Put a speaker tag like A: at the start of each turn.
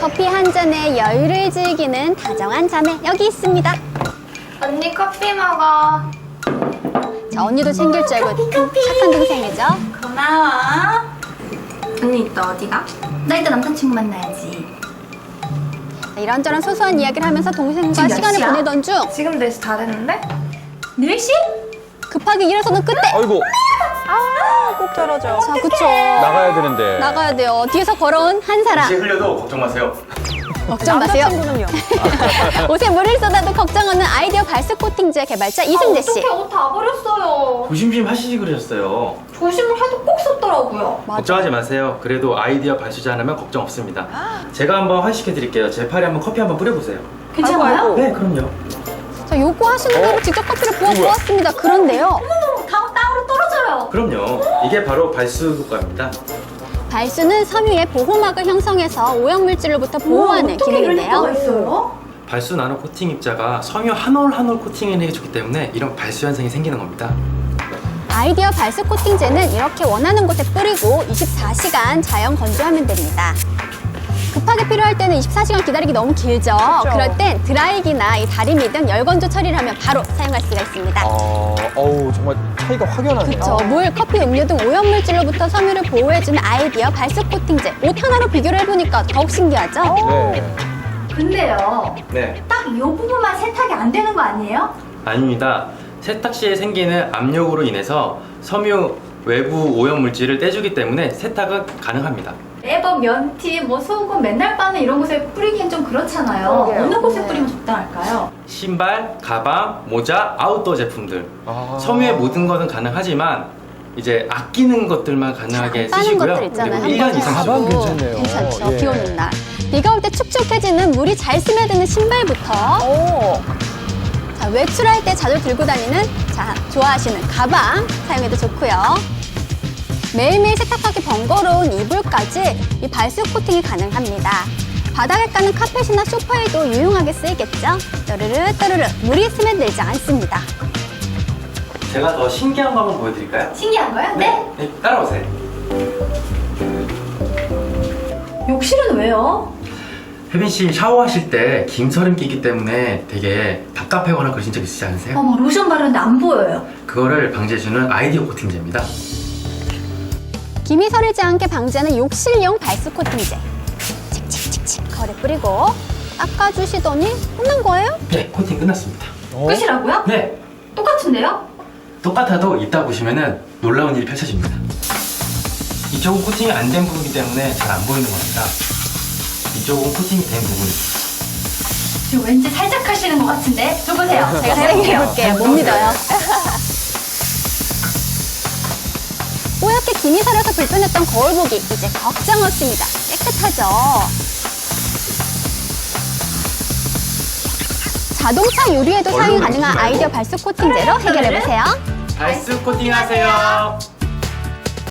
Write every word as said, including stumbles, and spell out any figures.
A: 커피 한 잔에 여유를 즐기는 다정한 자매 여기 있습니다.
B: 언니 커피 먹어.
A: 자, 언니도 챙길 줄 알고 착한 동생이죠.
B: 고마워. 언니 이따 어디가? 나 이따 남자친구 만나야지.
A: 자, 이런저런 소소한 이야기를 하면서 동생과
B: 지금 몇
A: 시간을
B: 시야?
A: 보내던 중
B: 지금 네 시 다 됐는데? 네 시?
A: 급하게 일어서는 그때
C: 아이고
D: 아, 꼭 저러죠.
A: 자, 그쵸.
C: 나가야 되는데.
A: 나가야 돼요. 뒤에서 걸어온 한 사람.
E: 옷이 흘려도 걱정 마세요.
A: 걱정 마세요.
D: 남자친구는요?
A: 옷에 물을 쏟아도 걱정 없는 아이디어 발수 코팅제 개발자 이승재 씨.
B: 어떻게 옷 다 버렸어요.
E: 조심심 하시지 그러셨어요.
B: 조심을 해도 꼭 썼더라고요.
E: 걱정하지 마세요. 그래도 아이디어 발수지 않으면 걱정 없습니다. 제가 한번 환식해 드릴게요. 제 팔에 한번 커피 한번 뿌려보세요.
B: 괜찮아요?
D: 아이고, 아이고.
E: 네, 그럼요.
A: 자, 요구하시는 대로 직접 커피를 부어 보았습니다. 그런데요.
B: 어머, 다 땅으로 떨어져요.
E: 그럼요. 이게 바로 발수 효과입니다.
A: 발수는 섬유에 보호막을 형성해서 오염물질로부터 보호하는
B: 어떻게 이럴
A: 기능인데요.
B: 수가 있어요?
E: 발수 나노 코팅 입자가 섬유 한 올 한 올 코팅을 해주기 때문에 이런 발수 현상이 생기는 겁니다.
A: 아이디어 발수 코팅제는 이렇게 원하는 곳에 뿌리고 이십사 시간 자연 건조하면 됩니다. 급하게 필요할 때는 이십사 시간 기다리기 너무 길죠.
D: 그렇죠.
A: 그럴 땐 드라이기나 이 다리미 등 열건조 처리를 하면 바로 사용할 수가 있습니다.
C: 어, 어우 정말 차이가 확연하네요.
A: 그쵸. 물, 커피, 음료 등 오염물질로부터 섬유를 보호해주는 아이디어 발수 코팅제. 옷 하나로 비교를 해보니까 더욱 신기하죠?
C: 네.
B: 근데요,
E: 네.
B: 딱 이 부분만 세탁이 안 되는 거 아니에요?
E: 아닙니다. 세탁 시에 생기는 압력으로 인해서 섬유 외부 오염 물질을 떼주기 때문에 세탁은 가능합니다.
B: 레버, 면티, 뭐 소금, 맨날 빠는 이런 곳에 뿌리기엔 좀 그렇잖아요.
D: 그러게요.
B: 어느 곳에
D: 네.
B: 뿌리면 적당할까요?
E: 신발, 가방, 모자, 아웃도어 제품들.
C: 아.
E: 섬유의 모든 것은 가능하지만 이제 아끼는 것들만 가능하게
A: 빠는
E: 쓰시고요.
A: 것들 있잖아요.
E: 그리고 일 년
A: 한 번에
E: 이상
C: 가방
A: 쓰고.
C: 괜찮네요.
A: 괜찮죠.
C: 예.
A: 비 오는 날. 비가 올 때 축축해지는 물이 잘 스며드는 신발부터
D: 오,
A: 자, 외출할 때 자주 들고 다니는 자, 좋아하시는 가방 사용해도 좋고요. 매일매일 세탁하기 번거로운 이불까지 이 발수 코팅이 가능합니다. 바닥에 까는 카펫이나 소파에도 유용하게 쓰이겠죠? 또르르 또르르 물이 스며들지 않습니다.
E: 제가 더 신기한 거 한번 보여드릴까요?
B: 신기한 거요? 네?
E: 네, 따라오세요.
B: 욕실은 왜요?
E: 혜빈 씨 샤워하실 때 김서림 끼기 때문에 되게 답답하거나 그러신 적 있으시 않으세요?
B: 어머, 로션 바르는데 안 보여요.
E: 그거를 방지해주는 아이디어 코팅제입니다.
A: 김이 서리지 않게 방지하는 욕실용 발수 코팅제. 칙칙칙칙 거울에 뿌리고 닦아주시더니 끝난 거예요?
E: 네, 코팅 끝났습니다.
C: 어?
B: 끝이라고요?
E: 네,
B: 똑같은데요?
E: 똑같아도 이따 보시면은 놀라운 일이 펼쳐집니다. 이쪽은 코팅이 안 된 부분이기 때문에 잘 안 보이는 겁니다. 이쪽은 코팅이 된 부분입니다.
B: 지금 왠지 살짝 하시는 것 같은데? 저 보세요. 제가
A: 사용해
B: 해볼게요.
A: 볼게요. 못 믿어요. 뽀얗게 김이 서려서 불편했던 거울 보기 이제 걱정 없습니다. 깨끗하죠? 자동차 유리에도 사용이 가능한 아이디어 발수 코팅제로 해결해보세요.
E: 발수 코팅하세요.